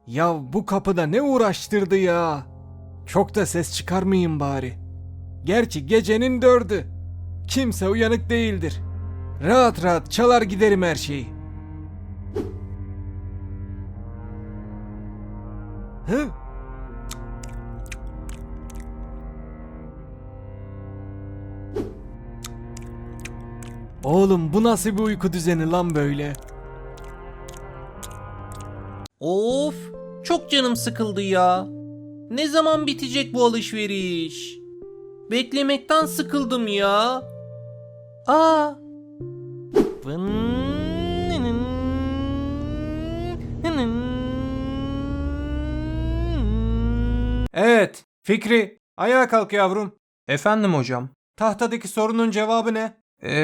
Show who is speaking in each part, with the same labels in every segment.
Speaker 1: Ya bu kapıda ne uğraştırdı ya? Çok da ses çıkarmayayım bari. Gerçi gecenin 4'ü. Kimse uyanık değildir. Rahat rahat çalar giderim her şeyi. Hı? Oğlum bu nasıl bir uyku düzeni lan böyle?
Speaker 2: Of, çok canım sıkıldı ya. Ne zaman bitecek bu alışveriş? Beklemekten sıkıldım ya. Aa.
Speaker 1: Evet, Fikri, ayağa kalk yavrum.
Speaker 2: Efendim hocam.
Speaker 1: Tahtadaki sorunun cevabı ne?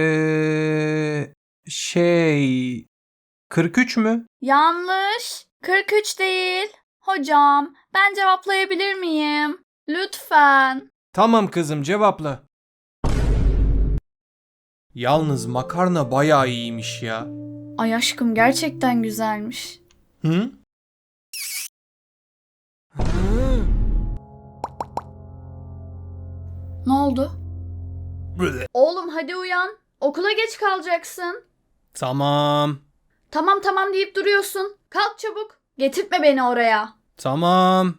Speaker 2: Şey... 43 mü?
Speaker 3: Yanlış. 43 değil. Hocam, ben cevaplayabilir miyim? Lütfen.
Speaker 1: Tamam kızım, cevapla.
Speaker 2: Yalnız makarna bayağı iyiymiş ya.
Speaker 3: Ay aşkım gerçekten güzelmiş.
Speaker 2: Hı?
Speaker 1: Hı.
Speaker 3: Ne oldu? Oğlum hadi uyan. Okula geç kalacaksın.
Speaker 2: Tamam.
Speaker 3: Tamam tamam deyip duruyorsun. Kalk çabuk. Getirtme beni oraya.
Speaker 2: Tamam.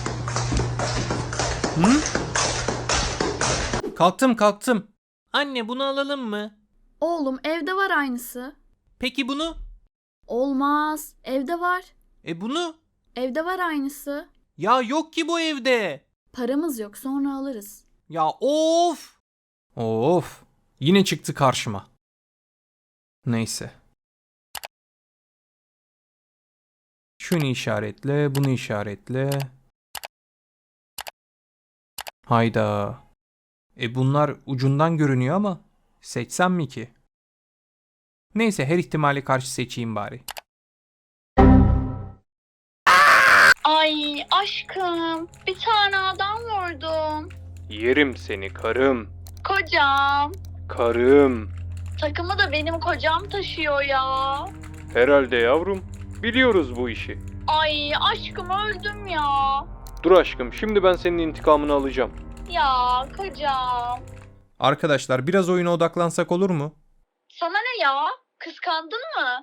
Speaker 2: Hı? Kalktım. Anne bunu alalım mı?
Speaker 3: Oğlum evde var aynısı.
Speaker 2: Peki bunu?
Speaker 3: Olmaz. Evde var.
Speaker 2: Bunu?
Speaker 3: Evde var aynısı.
Speaker 2: Ya yok ki bu evde.
Speaker 3: Paramız yok sonra alırız.
Speaker 2: Ya of. Of. Yine çıktı karşıma. Neyse. Şunu işaretle, bunu işaretle. Hayda. Bunlar ucundan görünüyor ama seçsem mi ki? Neyse her ihtimale karşı seçeyim bari.
Speaker 3: Ay aşkım bir tane adam vurdum.
Speaker 1: Yerim seni karım.
Speaker 3: Kocam.
Speaker 1: Karım.
Speaker 3: Takımı da benim kocam taşıyor ya.
Speaker 1: Herhalde yavrum. Biliyoruz bu işi.
Speaker 3: Ay aşkım öldüm ya.
Speaker 1: Dur aşkım, şimdi ben senin intikamını alacağım.
Speaker 3: Ya kocam.
Speaker 2: Arkadaşlar biraz oyuna odaklansak olur mu?
Speaker 3: Sana ne ya? Kıskandın mı?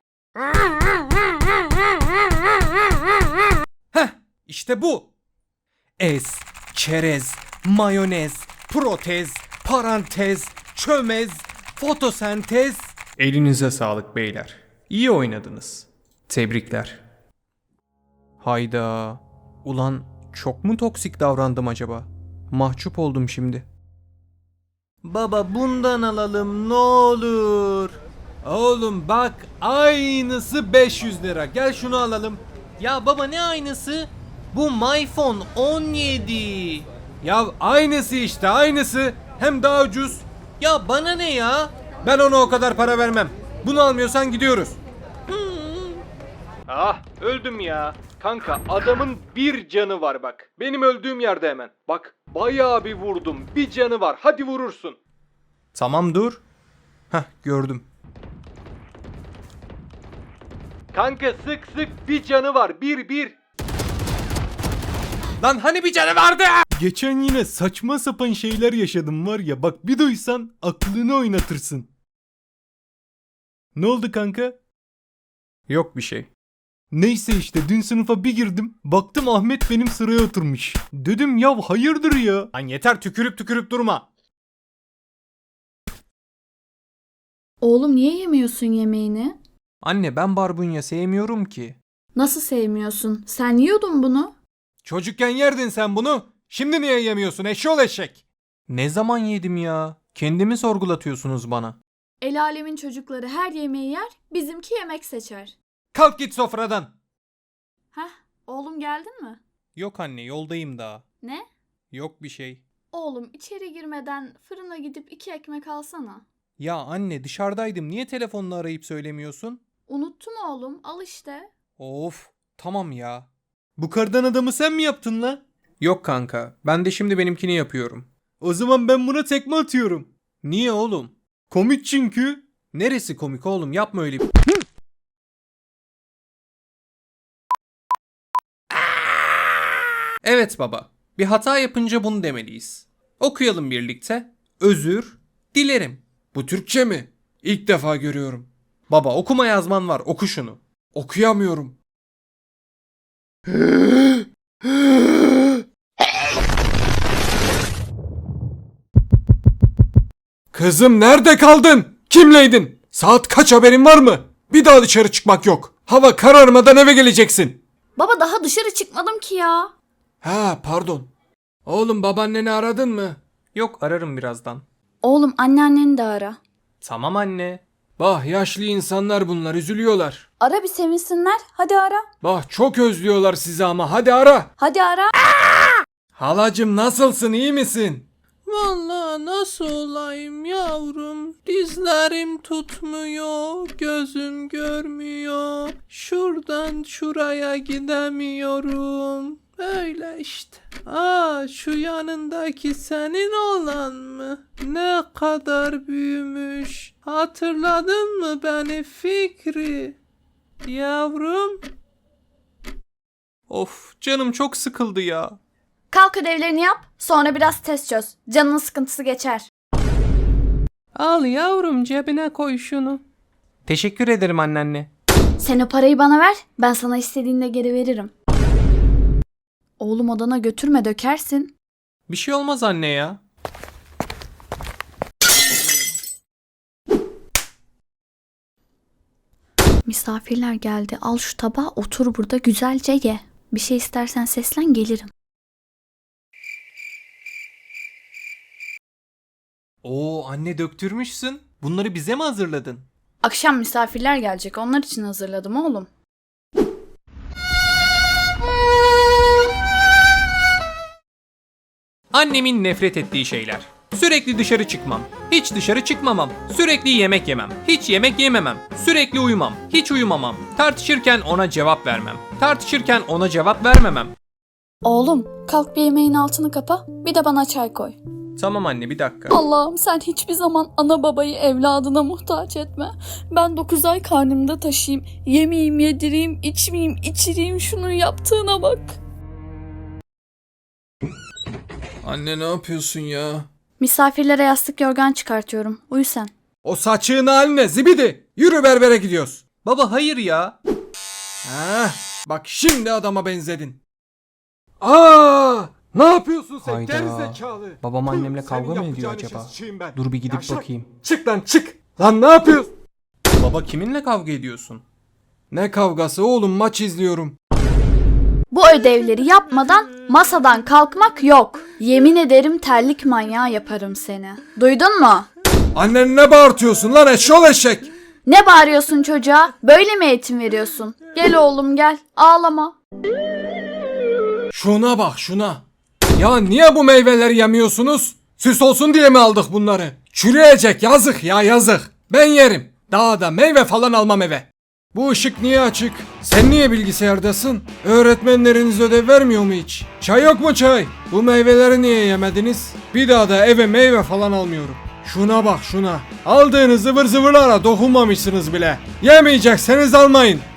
Speaker 2: Heh, işte bu. Ez, çerez, mayonez, protez, parantez, çömez, fotosentez. Elinize sağlık beyler. İyi oynadınız. Tebrikler. Hayda. Ulan çok mu toksik davrandım acaba? Mahcup oldum şimdi. Baba bundan alalım ne olur.
Speaker 1: Oğlum bak, aynısı 500 lira. Gel şunu alalım.
Speaker 2: Ya baba ne aynısı? Bu MyPhone 17.
Speaker 1: Ya aynısı işte, aynısı. Hem daha ucuz.
Speaker 2: Ya bana ne ya?
Speaker 1: Ben ona o kadar para vermem. Bunu almıyorsan gidiyoruz. Ah, öldüm ya. Kanka adamın bir canı var bak. Benim öldüğüm yerde hemen. Bak bayağı bir vurdum. Bir canı var. Hadi vurursun.
Speaker 2: Tamam dur. Heh gördüm.
Speaker 1: Kanka sık sık, bir canı var. Bir. Lan hani bir canı vardı? Geçen yine saçma sapan şeyler yaşadım var ya. Bak bir duysan aklını oynatırsın. Ne oldu kanka?
Speaker 2: Yok bir şey.
Speaker 1: Neyse işte dün sınıfa bir girdim. Baktım Ahmet benim sıraya oturmuş. Dedim ya hayırdır ya. Lan yeter, tükürüp durma.
Speaker 3: Oğlum niye yemiyorsun yemeğini?
Speaker 2: Anne ben barbunya sevmiyorum ki.
Speaker 3: Nasıl sevmiyorsun? Sen yiyordun bunu.
Speaker 1: Çocukken yerdin sen bunu. Şimdi niye yemiyorsun eşşoğlu eşek?
Speaker 2: Ne zaman yedim ya? Kendimi sorgulatıyorsunuz bana.
Speaker 3: El alemin çocukları her yemeği yer, bizimki yemek seçer.
Speaker 1: Kalk git sofradan.
Speaker 3: Heh, oğlum geldin mi?
Speaker 2: Yok anne yoldayım daha.
Speaker 3: Ne?
Speaker 2: Yok bir şey.
Speaker 3: Oğlum içeri girmeden fırına gidip 2 ekmek alsana.
Speaker 2: Ya anne dışarıdaydım niye telefonla arayıp söylemiyorsun?
Speaker 3: Unuttum oğlum, al işte.
Speaker 2: Of tamam ya.
Speaker 1: Bu kardan adamı sen mi yaptın la?
Speaker 2: Yok kanka ben de şimdi benimkini yapıyorum.
Speaker 1: O zaman ben buna tekme atıyorum.
Speaker 2: Niye oğlum?
Speaker 1: Komik çünkü.
Speaker 2: Neresi komik oğlum yapma öyle bir... Evet baba. Bir hata yapınca bunu demeliyiz. Okuyalım birlikte. Özür dilerim.
Speaker 1: Bu Türkçe mi? İlk defa görüyorum.
Speaker 2: Baba okuma yazman var. Oku şunu.
Speaker 1: Okuyamıyorum. Kızım nerede kaldın? Kimleydin? Saat kaç haberin var mı? Bir daha dışarı çıkmak yok. Hava kararmadan eve geleceksin.
Speaker 3: Baba daha dışarı çıkmadım ki ya.
Speaker 1: Ha pardon. Oğlum babaanneni aradın mı?
Speaker 2: Yok ararım birazdan.
Speaker 3: Oğlum anneanneni de ara.
Speaker 2: Tamam anne.
Speaker 1: Bah yaşlı insanlar bunlar üzülüyorlar.
Speaker 3: Ara bir sevinsinler. Hadi ara.
Speaker 1: Bah çok özlüyorlar sizi ama hadi ara.
Speaker 3: Hadi ara.
Speaker 1: Halacım nasılsın iyi misin?
Speaker 2: Vallahi nasıl olayım yavrum? Dizlerim tutmuyor, gözüm görmüyor. Şuradan şuraya gidemiyorum. Öyle işte. Şu yanındaki senin olan mı? Ne kadar büyümüş. Hatırladın mı beni Fikri? Yavrum. Of canım çok sıkıldı ya.
Speaker 3: Kalk ödevlerini yap. Sonra biraz test çöz. Canının sıkıntısı geçer.
Speaker 2: Al yavrum cebine koy şunu. Teşekkür ederim anneanne.
Speaker 3: Sen o parayı bana ver. Ben sana istediğinde geri veririm. Oğlum odana götürme dökersin.
Speaker 2: Bir şey olmaz anne ya.
Speaker 3: Misafirler geldi. Al şu tabağı otur burada güzelce ye. Bir şey istersen seslen gelirim.
Speaker 2: Oo anne döktürmüşsün. Bunları bize mi hazırladın?
Speaker 3: Akşam misafirler gelecek. Onlar için hazırladım oğlum.
Speaker 2: Annemin nefret ettiği şeyler. Sürekli dışarı çıkmam. Hiç dışarı çıkmamam. Sürekli yemek yemem. Hiç yemek yememem. Sürekli uyumam. Hiç uyumamam. Tartışırken ona cevap vermem. Tartışırken ona cevap vermemem.
Speaker 3: Oğlum kalk bir yemeğin altını kapa. Bir de bana çay koy.
Speaker 2: Tamam anne bir dakika.
Speaker 3: Allah'ım sen hiçbir zaman ana babayı evladına muhtaç etme. Ben 9 ay karnımda taşıyayım. Yemeyeyim, yedireyim, içmeyeyim, içireyim. Şunun yaptığına bak.
Speaker 1: Anne ne yapıyorsun ya?
Speaker 3: Misafirlere yastık yorgan çıkartıyorum. Uyu sen.
Speaker 1: O saçığın haline zibidi. Yürü berbere gidiyoruz.
Speaker 2: Baba hayır ya.
Speaker 1: Ha, bak şimdi adama benzedin. Aa! Ne yapıyorsun sen
Speaker 2: Hayda.
Speaker 1: gerizekalı?
Speaker 2: Babam annemle
Speaker 1: Senin
Speaker 2: kavga mı ediyor
Speaker 1: yapacağın
Speaker 2: acaba?
Speaker 1: işe sıçayım ben.
Speaker 2: Dur bir gidip
Speaker 1: Yavşak.
Speaker 2: bakayım.
Speaker 1: Çık lan çık. Lan ne yapıyorsun?
Speaker 2: Baba kiminle kavga ediyorsun?
Speaker 1: Ne kavgası oğlum maç izliyorum.
Speaker 3: Bu ödevleri yapmadan masadan kalkmak yok. Yemin ederim terlik manyağı yaparım seni. Duydun mu?
Speaker 1: Annen ne bağırtıyorsun lan eşşol eşek?
Speaker 3: Ne bağırıyorsun çocuğa? Böyle mi eğitim veriyorsun? Gel oğlum gel. Ağlama.
Speaker 1: Şuna bak şuna. Ya niye bu meyveleri yemiyorsunuz? Süs olsun diye mi aldık bunları? Çürüyecek yazık ya yazık. Ben yerim. Daha da meyve falan almam eve. Bu ışık niye açık? Sen niye bilgisayardasın? Öğretmenleriniz ödev vermiyor mu hiç? Çay yok mu çay? Bu meyveleri niye yemediniz? Bir daha da eve meyve falan almıyorum. Şuna bak şuna. Aldığınız zıvır zıvırlara dokunmamışsınız bile. Yemeyecekseniz almayın.